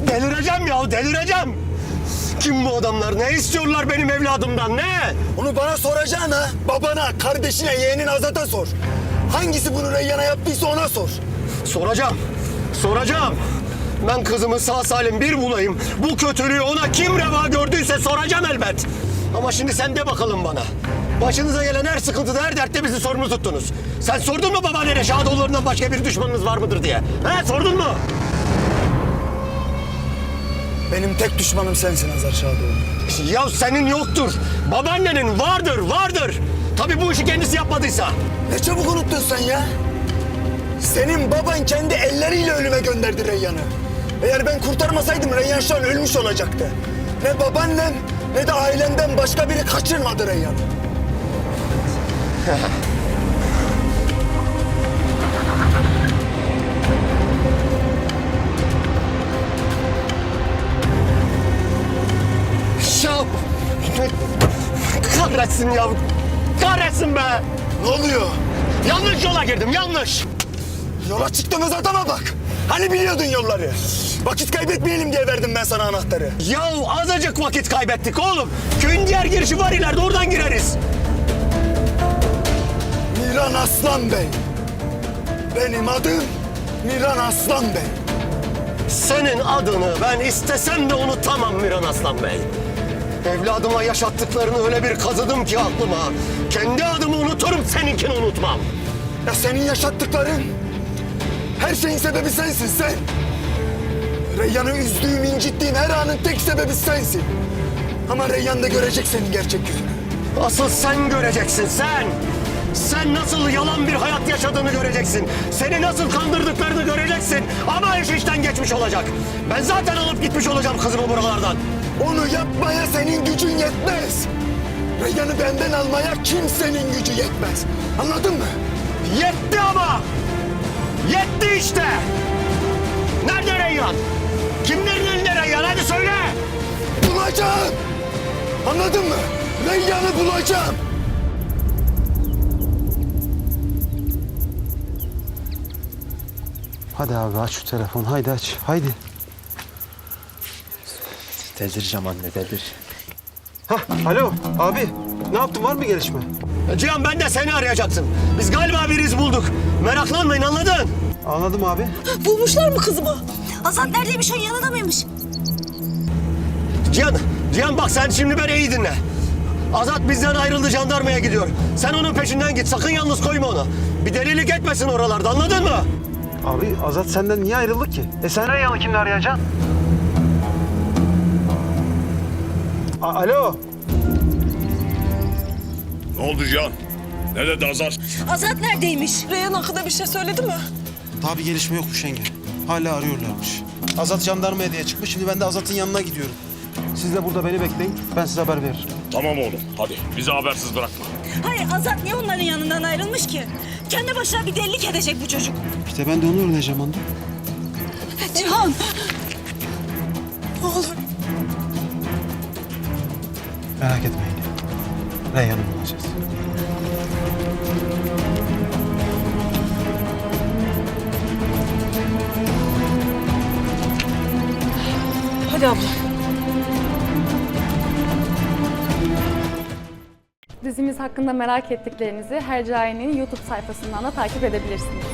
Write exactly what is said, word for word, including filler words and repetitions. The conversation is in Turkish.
Delireceğim ya, delireceğim. Kim bu adamlar? Ne istiyorlar benim evladımdan, ne? Onu bana soracaksın ha. Babana, kardeşine, yeğenin Azat'a sor. Hangisi bunu Reyyan'a yaptıysa ona sor. Soracağım, soracağım. Ben kızımı sağ salim bir bulayım. Bu kötülüğü ona kim reva gördüyse soracağım elbet. Ama şimdi sen de bakalım bana. Başınıza gelen her sıkıntıda, her dertte bizi sorumlu tuttunuz. Sen sordun mu babaannene Şadoğulları'ndan başka bir düşmanınız var mıdır diye? He, sordun mu? Benim tek düşmanım sensin Azar Şadoğlu. Ya senin yoktur. Babaannenin vardır, vardır. Tabii bu işi kendisi yapmadıysa. Ne çabuk unuttun sen ya. Senin baban kendi elleriyle ölüme gönderdi Reyyan'ı. Eğer ben kurtarmasaydım Reyyan şu an ölmüş olacaktı. Ne babaannem ne de ailemden başka biri kaçırmadı Reyyan'ı. Ya kahretsin ya. Kahretsin be. Ne oluyor? Yanlış yola girdim, yanlış. Yola çıktığımız adama bak. Hani biliyordun yolları? Vakit kaybetmeyelim diye verdim ben sana anahtarı. Ya azıcık vakit kaybettik oğlum. Köyün diğer girişi var ileride, oradan gireriz. Miran Aslan Bey. Benim adım Miran Aslan Bey. Senin adını ben istesem de unutamam Miran Aslan Bey. Evladıma yaşattıklarını öyle bir kazıdım ki aklıma. Kendi adımı unuturum, seninkini unutmam. Ya senin yaşattıkların, her şeyin sebebi sensin sen. Reyyan'ı üzdüğüm, incittiğim her anın tek sebebi sensin. Ama Reyyan da görecek senin gerçek yüzünü. Asıl sen göreceksin, sen. Sen nasıl yalan bir hayat yaşadığını göreceksin. Seni nasıl kandırdıklarını göreceksin. Ama iş işten geçmiş olacak. Ben zaten alıp gitmiş olacağım kızımı buralardan. Onu yapmaya senin gücün yetmez. Reyyan'ı benden almaya kimsenin gücü yetmez. Anladın mı? Yetti ama! Yetti işte! Nerede Reyyan? Kimlerin elinde Reyyan? Hadi söyle! Bulacağım! Anladın mı? Reyyan'ı bulacağım! Hadi abi aç şu telefonu. Haydi aç. Haydi. Delireceğim anne, delir. Hah, alo abi. Ne yaptın? Var mı gelişme? Cihan, ben de seni arayacaktım. Biz galiba bir iz bulduk. Meraklanmayın, anladın? Anladım abi. Bulmuşlar mı kızımı? Azat neredeymiş, onun yanında mıymış? Cihan, Cihan bak sen şimdi beni iyi dinle. Azat bizden ayrıldı, jandarmaya gidiyor. Sen onun peşinden git, sakın yalnız koyma onu. Bir delilik etmesin oralarda, anladın mı? Abi Azat senden niye ayrıldı ki? E sen Reyyan'ı kimle arayacaksın? A- Alo. Ne oldu Cihan? Ne dedi Azar? Azat neredeymiş? Reyhan hakkında bir şey söyledi mi? Daha bir gelişme yokmuş yenge. Hala arıyorlarmış. Azat jandarmaya diye çıkmış. Şimdi ben de Azat'ın yanına gidiyorum. Siz de burada beni bekleyin. Ben size haber veririm. Tamam oğlum, hadi bizi habersiz bırakma. Hayır, Azat niye onların yanından ayrılmış ki? Kendi başına bir delilik edecek bu çocuk. İşte ben de onu öğreneceğim onda. Cihan! Ne olur. Merak etme yenge. Reyyan'ı bulacağız. Hadi abla. Dizimiz hakkında merak ettiklerinizi Hercai'nin YouTube sayfasından da takip edebilirsiniz.